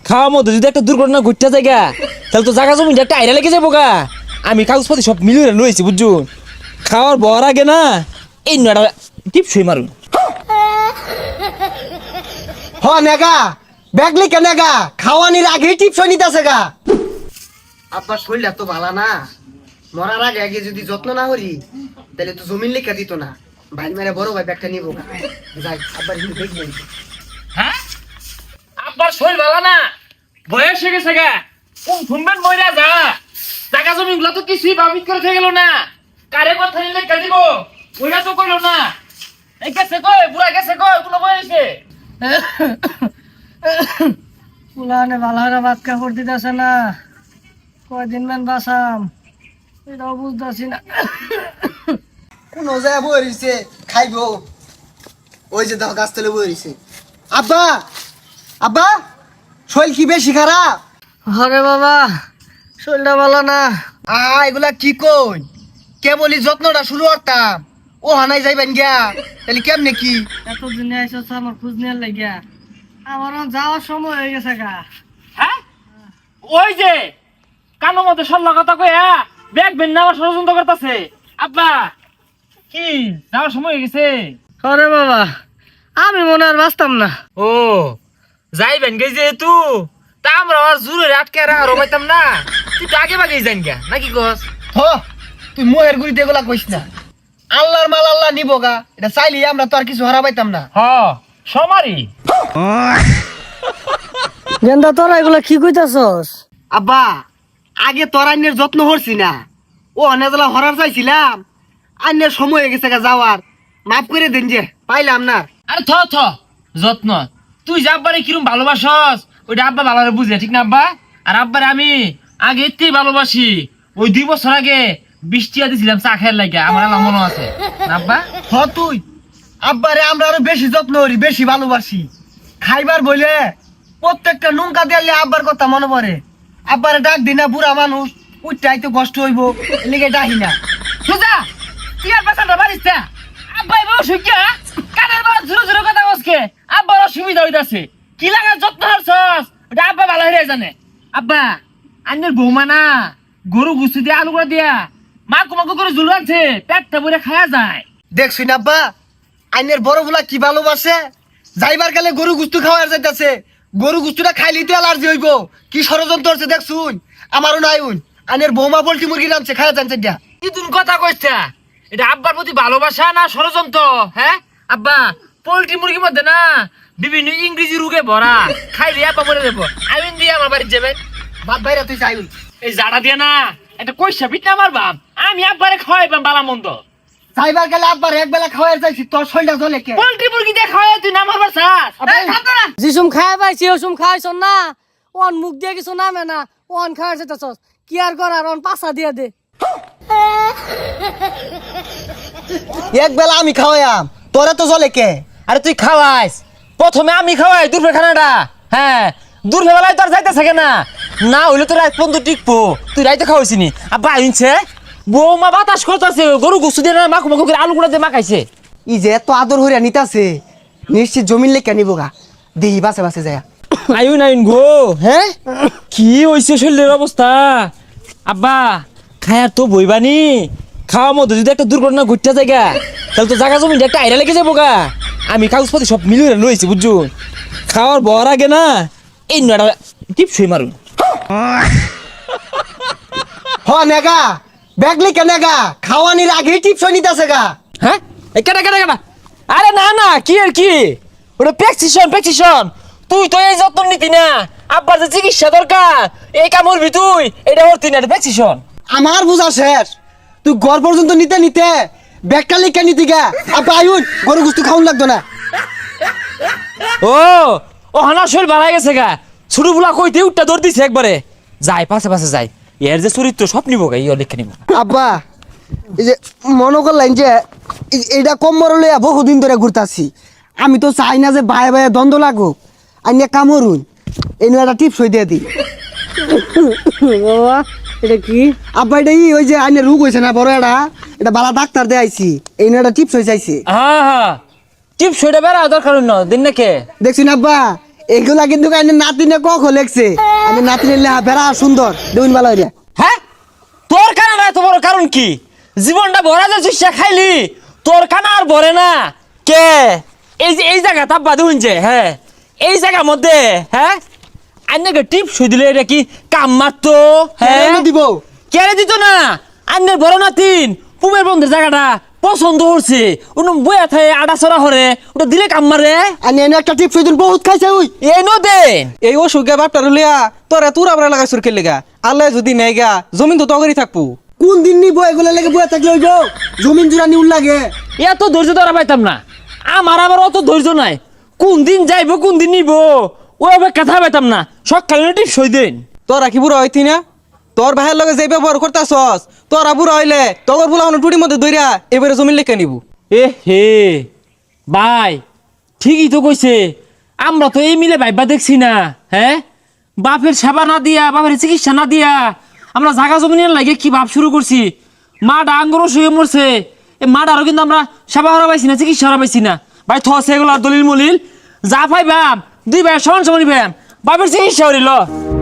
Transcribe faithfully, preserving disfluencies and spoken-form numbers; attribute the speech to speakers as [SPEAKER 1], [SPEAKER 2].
[SPEAKER 1] খাওয়ার মধ্যে যদি একটা দুর্ঘটনা ঘটতে যায় গা, তাহলে তো জায়গা জমি একটা আইরা লেগে যাবো গা। আমি কাগজপাতি সব মিলিয়ে লইছি বুঝছো। খাওয়ার বর আগে না এই নয়টা টিপসই মারুন।
[SPEAKER 2] হ নেগা ব্যাগলি কে নেগা খাওয়ানির আগে টিপস নিতেছে গা। আপনার শরীরটা তো ভালো না, মরার আগে আগে যদি যত্ন না করি তাহলে তো জমিন লেখা দিত না। ভাই মেরে বড় ভাই ব্যাগটা নিবো গা। যাই আব্বার হিন্দু দেখবেন।
[SPEAKER 1] হ্যাঁ আব্বার শরীর ভালো না, বয়স হয়ে গেছে গা, কোন শুনবেন মইরা যা। জায়গা জমি গুলা তো কিছুই বাবিত করে থেকে গেল না। কারে কথা নিলে কে দিব ওইটা তো করলো না। এই গেছে কই বুড়া গেছে কই কোনো বয়সে
[SPEAKER 3] পুলানে ভালো ভাত কাপড় দিতেছে না, কয়দিন মান বাসাম এটাও বুঝতেছি না।
[SPEAKER 2] কোন যায় বইছে খাইবো, ওই যে দাও গাছ তলে বইছে। আব্বা আব্বা শরীর কি বেশি খারাপ?
[SPEAKER 3] হরে বাবা শরীরটা ভালো না।
[SPEAKER 2] আ এগুলা কি কই, কেবলই যত্নটা শুরু করতাম ও হানাই যাইবেন গিয়া, তাহলে কেমনে কি?
[SPEAKER 3] এত দিনে আইসো আমার খোঁজ নেওয়ার লাগিয়া, আমার যাওয়ার সময় হয়ে গেছে গা।
[SPEAKER 1] হ্যাঁ ওই যে কানো মধ্যে সল্লা কথা কইয়া ব্যাগ বেন নেওয়ার ষড়যন্ত্র করতেছে। আব্বা কি যাওয়ার সময় হয়ে গেছে?
[SPEAKER 3] হরে বাবা আমি মনে আর বাঁচতাম না।
[SPEAKER 1] ও যাইবেন গে যেহেতু তা আমরা আর জোরে আটকে আর পাইতাম না। তুই তো আগে বাগেই যান গা নাকি কস?
[SPEAKER 2] হ তুই মোহের গুড়িতে এগুলা কইস না। আল্লাহর মাল আল্লাহ নিবো গা, এটা চাইলে আমরা তো আর কিছু হারা পাইতাম না।
[SPEAKER 1] হ সমারি
[SPEAKER 3] গেন্দা তোরা এগুলা কি কইতাছস?
[SPEAKER 2] আব্বা আগে তোর আইনের যত্ন করছি না, ও অনেকলা হরার চাইছিলাম, আইনের সময় হয়ে গেছে গা যাওয়ার, মাফ করে দেন যে পাইলাম না।
[SPEAKER 1] আরে থ থ যত্ন তুই যে আব্বারে কিরম ভালোবাসস ওইটা আব্বা ভালোভাবে বুঝে ঠিক না আব্বা? আর আব্বারে আমি আগে এতেই ভালোবাসি। ওই দুই বছর আগে বৃষ্টিয়া দিছিলাম চা খেয়ার লাগে, আমার আল্লাহ মনে আছে না আব্বা?
[SPEAKER 2] হ তুই আব্বারে আমরা আরো বেশি যত্ন করি, বেশি ভালোবাসি। খাইবার বলে প্রত্যেকটা নুনকা দিলে আব্বার কথা মনে পড়ে। আব্বারে ডাক দিনা বুড়া মানুষ উঠতে তো কষ্ট হইব, এলিগে ডাকি না।
[SPEAKER 1] সুজা তুই আর বাসাটা বাড়িস না। আব্বাই বউ সুজ্ঞা কানের বাড়া ঝুরো ঝুরো কথা বসকে আব্বার অসুবিধা হইতাছে। কি লাগার যত্ন হারছস ওটা আব্বা ভালো হয়ে জানে। আব্বা আন্নের বৌমা না গরু গুছু দিয়ে আলু করে দিয়া মাকু মাকু করে ঝুল আনছে, পেটটা ভরে খাওয়া যায়।
[SPEAKER 2] দেখছি না আব্বা আইনের বড় বুলা কি ভালোবাসে, যাইবার গেলে গরু গুস্তু খাওয়ার যাইতাছে, গরু গুস্তুটা খাইলি তো অ্যালার্জি হইব। কি ষড়যন্ত্র হচ্ছে দেখছুন, আমারও নাই উন। আইনের বৌমা পোল্ট্রি মুরগি রাঁধছে খাওয়া জানছে দিয়া।
[SPEAKER 1] কি তুমি কথা কইছা? এটা আব্বার প্রতি ভালোবাসা না ষড়যন্ত্র? হ্যাঁ আব্বা পোল্ট্রি মুরগির মধ্যে না বিভিন্ন ইংরেজি রোগে ভরা, খাইলে আব্বা মরে যাবো। আইন দিয়ে আমার বাড়ি যাবেন
[SPEAKER 2] বাপ ভাইরা তুই চাইুন
[SPEAKER 1] এই জাড়া দিয়ে না একটা কইসা পিঠ না আমার বাপ, আমি আব্বারে খাওয়াইবাম বালা মন্দ।
[SPEAKER 2] যাইবার গেলে আব্বার এক বেলা খাওয়ার যাইছি, তোর শরীরটা জ্বলে কে?
[SPEAKER 1] পোল্ট্রি মুরগি দিয়ে খাওয়াই তুই না মারবার চাস?
[SPEAKER 3] যিসুম খাই পাইছি ওসুম খাইছ না, ওন মুখ দিয়ে কিছু নামে না, ওন খাওয়ার চাইতাছস। কি আর করার, ওন পাশা দিয়ে দে।
[SPEAKER 2] এক বেলা আমি খাওয়াইয়াম, তোরা তো জ্বলে কে?
[SPEAKER 1] আরে তুই খাওয়াইস, প্রথমে আমি খাওয়াই দুপুরের খানাটা। হ্যাঁ দুপুর বেলায় তো আর যাইতেছে না, না হইলে তো রাত পর্যন্ত টিকবো। তুই রাইতে খাওয়াইছিনি আব্বা আইনছে বৌমা বাতাস করতেছে, গরু গুছু দিয়ে না মাখু মাখু করে আলু গুঁড়া দিয়ে মাখাইছে।
[SPEAKER 2] ই যে এত আদর হইয়া নিতাছে, নিশ্চিত জমিন লেখা নিবো গা, দেহি বাসে বাসে যায়।
[SPEAKER 1] আইন আইন গো। হ্যাঁ কি হয়েছে শরীরের অবস্থা? আব্বা খায়ার তো বইবানি, খাওয়ার মধ্যে যদি একটা দুর্ঘটনা ঘটতে যায় গা, তাহলে তো জায়গা জমি একটা আইরা লেগে যাবো গা। আমি কাগজপাতি সব মিলিয়ে লইছি বুঝছো। খাওয়ার বর আগে না এই নয়টা টিপসই মারুন।
[SPEAKER 2] হ নেগা ব্যাগলি কে নেগা খাওয়ানির আগে টিপস নিতাছে গা।
[SPEAKER 1] হ্যাঁ এই কেটা কেটা কেটা আরে না না কি আর কি, ওটা প্রেসক্রিপশন প্রেসক্রিপশন। তুই তো এই যত্ন নিতি না, আব্বার যে চিকিৎসা দরকার এই কাম করবি তুই, এটা করতি না, এটা প্রেসক্রিপশন।
[SPEAKER 2] আমার বুঝা শেষ, তুই ঘর পর্যন্ত নিতে নিতে ব্যাগটা লিখে নিতি গা। আব্বা আইন গরু গুস্তু খাওয়ান লাগতো না।
[SPEAKER 1] ও ও হানা শরীর বাড়াই গেছে গা, ছোট বুলা কইতে উঠটা দৌড় দিছে একবারে। যাই পাশে পাশে যাই, এর যে চরিত্র সব নিবো গা, ইয়ে লিখে নিব।
[SPEAKER 2] আব্বা এই যে মনে করলেন যে এই- এইটা কম মরলে বহুদিন ধরে ঘুরতাছি, আমি তো চাই না যে ভাই ভাই দ্বন্দ্ব লাগুক। আইনে কামড়ুন এই নিয়ে একটা টিপস হয়ে দিয়ে দিই।
[SPEAKER 3] বাবা এটা কি?
[SPEAKER 2] আব্বা এটা ই ওই যে আইনে রোগ হয়েছে না বড় এটা, এটা বালা ডাক্তার দিয়ে আইছি, এই নিয়ে একটা টিপস হয়ে চাইছে।
[SPEAKER 1] হ্যাঁ হ্যাঁ টিপস ওইটা বেড়া দরকার ন দিন নাকি?
[SPEAKER 2] দেখছি না আব্বা এগুলা কিন্তু কাইনে নাতিনে কক লেখছে আমি নাতিনের লেহা বেড়া সুন্দর দেখুন ভালো হইয়া
[SPEAKER 1] হ্যাঁ তোর কানা না তো বড় কারণ কি জীবনটা ভরা যাচ্ছে সে খাইলি তোর কানা আর ভরে না কে এই যে এই জায়গা তাব্বা দেখুন যে হ্যাঁ এই জায়গার মধ্যে হ্যাঁ আন্নাকে টিপ শুই দিলে এটা কি কাম মারতো হ্যাঁ
[SPEAKER 2] কেন দিব
[SPEAKER 1] কেড়ে দিত না আন্নের বড় নাতিন পুবের বন্ধের জায়গাটা পছন্দ হচ্ছে ওটা বইয়া থাকে আডা চড়া হরে ওটা দিলে কাম মারে
[SPEAKER 2] আমি এনে একটা টিপ সুইদিন বহুত খাইছে ওই
[SPEAKER 1] এই নো দেন
[SPEAKER 4] এই অসুখে বাপটার লিয়া তোরা তুরা বড় লাগাই সুরকে লেগা আল্লাহ যদি নেগা জমিন তো তগরি থাকবো
[SPEAKER 2] কোন দিন নিব এগুলা লেগে বয়ে থাকলে হইব জমিন জুড়া নিউল লাগে
[SPEAKER 1] এত ধৈর্য ধরা পাইতাম না আমার আবার অত ধৈর্য নাই কোন দিন যাইবো কোন দিন নিব ওই অপেক্ষা কথা পাইতাম না সকালে টিপ সই দেন
[SPEAKER 4] তোরা কি বুড়া হইতি না তোর ভাইয়ের লগে যে ব্যবহার করতাছস তোরা বুড়া হইলে তগর বুলা টুটির মধ্যে দইরা এবারে জমিন লেখা নিব
[SPEAKER 1] এ হে ভাই ঠিকই তো কইছে আমরা তো এই মিলে ভাইবা দেখছি না হ্যাঁ বাপের সেবা না দিয়া বাপের চিকিৎসা না দিয়া আমরা জাগা জমিনের লাগে কি ভাব শুরু করছি মা ডাঙ্গরও শুয়ে মরছে এ মাটারও কিন্তু আমরা সেবা হারা পাইছি না চিকিৎসা হারা পাইছি না ভাই থসে এগুলো দলিল মলিল যা পাইবাম দুই ভাই সমান সমান পাইবাম বাপের চিকিৎসা হরিল